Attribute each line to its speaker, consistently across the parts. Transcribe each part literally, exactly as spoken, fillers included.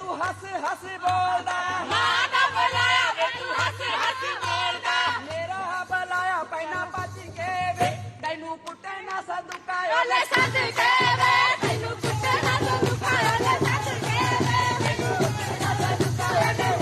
Speaker 1: ਤੂੰ ਹੱਸ ਹੱਸ ਬੋਲਦਾ ਮਾਂ ਦਾ ਬੁਲਾਇਆ ਵੇ ਤੂੰ ਹੱਸ ਹੱਸ ਬੋਲਦਾ ਮੇਰਾ ਬੁਲਾਇਆ ਪੈਣਾ ਭੱਜ ਕੇ ਵੇ ਤੈਨੂੰ ਕੁੱਟੇ ਨਾ ਸਦੁਕਾਇਓ ਲੈ ਸੱਦ ਕੇ ਵੇ ਤੈਨੂੰ ਕੁੱਟੇ ਨਾ ਸਦੁਕਾਇਓ ਲੈ ਸੱਦ ਕੇ ਵੇ ਤੈਨੂੰ ਕੁੱਟੇ ਨਾ ਸਦੁਕਾਇਓ ਲੈ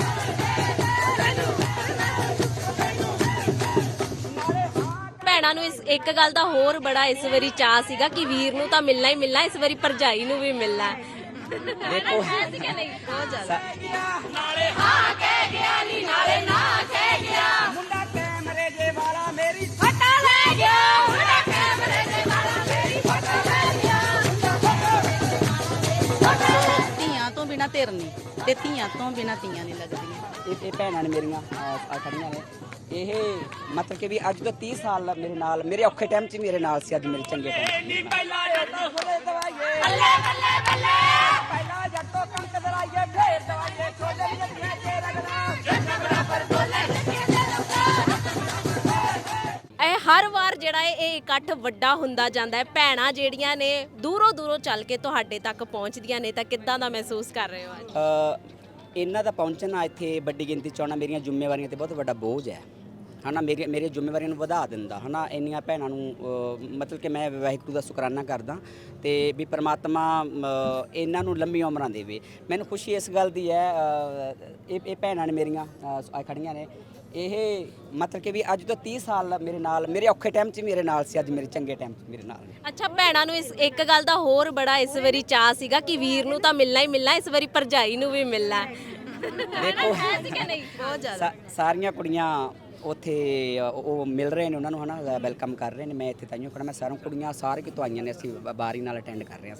Speaker 2: ਭੈਣਾਂ ਨੂੰ ਇਸ ਇੱਕ ਗੱਲ ਦਾ ਹੋਰ ਬੜਾ ਇਸ ਵਾਰੀ ਚਾਅ ਸੀਗਾ ਕਿ ਵੀਰ ਨੂੰ ਤਾਂ ਮਿਲਣਾ ਹੀ ਮਿਲਣਾ, ਇਸ ਵਾਰੀ ਭਰਜਾਈ ਨੂੰ ਵੀ ਮਿਲਣਾ।
Speaker 1: ਦੇਖੋ
Speaker 2: ਹੈ ਸੀ ਕਿ ਨਹੀਂ? ਬਹੁਤ ਜ਼ਿਆਦਾ।
Speaker 1: ਨਾਲੇ ਹਾਂ ਕਹਿ ਗਿਆ ਨੀ ਨਾਲੇ ਨਾ ਕਹਿ ਗਿਆ ਮੁੰਡਾ ਕੈਮਰੇ ਜੇ ਵਾਲਾ ਮੇਰੀ ਫਟਾ ਲੈ ਗਿਆ ਮੁੰਡਾ ਕੈਮਰੇ ਜੇ ਵਾਲਾ ਮੇਰੀ ਫਟਾ ਲੈ ਗਿਆ
Speaker 3: ਧੀਆਂ ਤੋਂ ਬਿਨਾ ਧਿਰ ਨਹੀਂ ਤੇ ਧੀਆਂ ਤੋਂ ਬਿਨਾ ਧੀਆਂ ਨਹੀਂ ਲੱਗਦੀਆਂ।
Speaker 1: ਇਹ ਇਹ ਭੈਣਾਂ ਨੇ ਮੇਰੀਆਂ ਆ ਖੜੀਆਂ ਨੇ ਇਹ ਮਤਲਬ ਕਿ ਵੀ ਅੱਜ ਤੋਂ ਤੀਹ ਸਾਲ ਮੇਰੇ ਨਾਲ ਮੇਰੇ ਔਖੇ ਟਾਈਮ 'ਚ ਮੇਰੇ ਨਾਲ ਸੀ, ਅੱਜ ਮੇਰੇ ਚੰਗੇ ਟਾਈਮ ਨਹੀਂ ਪਹਿਲਾਂ ਜੱਟੋ ਖੋਲੇ ਦਵਾਈਏ ਬੱਲੇ ਬੱਲੇ ਬੱਲੇ ਪਹਿਲਾਂ ਜੱਟੋ ਕਣਕ ਦਰਾਈਏ ਫੇਰ ਦਵਾਈਏ ਛੋਲੇ ਜੱਟੀਆਂ ਤੇ ਰਗੜਾ ਜੱਟ ਬਰਾਬਰ ਬੋਲੇ ਜੱਟੀਆਂ ਤੇ
Speaker 2: ਇਹ ਹਰ ਵਾਰ ਜਿਹੜਾ ਹੈ ਇਹ ਇਕੱਠ ਵੱਡਾ ਹੁੰਦਾ ਜਾਂਦਾ ਹੈ। ਭੈਣਾਂ ਜਿਹੜੀਆਂ ਨੇ ਦੂਰੋਂ ਦੂਰੋਂ ਚੱਲ ਕੇ ਤੁਹਾਡੇ ਤੱਕ ਪਹੁੰਚਦੀਆਂ ਨੇ ਤਾਂ ਕਿੱਦਾਂ ਦਾ ਮਹਿਸੂਸ ਕਰ ਰਹੇ ਹੋ ਅੱਜ?
Speaker 1: ਇਹਨਾਂ ਦਾ ਪਹੁੰਚਣਾ ਇੱਥੇ ਵੱਡੀ ਗਿਣਤੀ 'ਚ ਆਉਣਾ ਮੇਰੀਆਂ ਜ਼ਿੰਮੇਵਾਰੀਆਂ ਤੇ ਬਹੁਤ ਵੱਡਾ ਬੋਝ ਹੈ ਹਨਾ। ਮੇਰੀ ਮੇਰੀਆਂ ਜ਼ਿੰਮੇਵਾਰੀਆਂ ਨੂੰ ਵਧਾ ਦਿੰਦਾ ਹਨਾ। ਇੰਨੀਆਂ ਭੈਣਾਂ ਨੂੰ ਮਤਲਬ ਕਿ ਮੈਂ ਵਾਹਿਗੁਰੂ ਦਾ ਸ਼ੁਕਰਾਨਾ ਕਰਦਾ ਤੇ ਵੀ ਪ੍ਰਮਾਤਮਾ ਇਹਨਾਂ ਨੂੰ ਲੰਮੀ ਉਮਰਾਂ ਦੇਵੇ। ਮੈਨੂੰ ਖੁਸ਼ੀ ਇਸ ਗੱਲ ਦੀ ਹੈ ਇਹ ਇਹ ਭੈਣਾਂ ਨੇ ਮੇਰੀਆਂ ਆ ਖੜੀਆਂ ਨੇ ਇਹ ਮਤਲਬ ਕਿ ਵੀ ਅੱਜ ਤੋਂ ਤੀਹ ਸਾਲ ਮੇਰੇ ਨਾਲ ਮੇਰੇ ਔਖੇ ਟਾਈਮ 'ਚ ਮੇਰੇ ਨਾਲ ਸੀ, ਅੱਜ ਮੇਰੇ ਚੰਗੇ ਟਾਈਮ 'ਚ ਮੇਰੇ ਨਾਲ ਨੇ।
Speaker 2: ਅੱਛਾ, ਭੈਣਾਂ ਨੂੰ ਇਸ ਇੱਕ ਗੱਲ ਦਾ ਹੋਰ ਬੜਾ ਇਸ ਵਾਰੀ ਚਾਅ ਸੀਗਾ ਕਿ ਵੀਰ ਨੂੰ ਤਾਂ ਮਿਲਣਾ ਹੀ ਮਿਲਣਾ, ਇਸ ਵਾਰੀ ਭਰਜਾਈ ਨੂੰ ਵੀ ਮਿਲਣਾ।
Speaker 1: ਦੇਖੋ
Speaker 2: ਹੈ ਸੀ ਕਿ ਨਹੀਂ? ਬਹੁਤ ਜ਼ਿਆਦਾ।
Speaker 1: ਸਾਰੀਆਂ ਕੁੜੀਆਂ ਉੱਥੇ ਉਹ ਮਿਲ ਰਹੇ ਨੇ ਉਹਨਾਂ ਨੂੰ ਹਨਾ, ਵੈਲਕਮ ਕਰ ਰਹੇ ਨੇ। ਮੈਂ ਇੱਥੇ ਤਾਈਓ ਖੜਾ, ਮੈਂ ਸਾਰੀਆਂ ਕੁੜੀਆਂ ਸਾਰੇ ਕਿਤੋਂ ਆਈਆਂ ਨੇ, ਅਸੀਂ ਬਾਰੀ ਨਾਲ ਅਟੈਂਡ ਕਰ ਰਹੇ ਹਾਂ।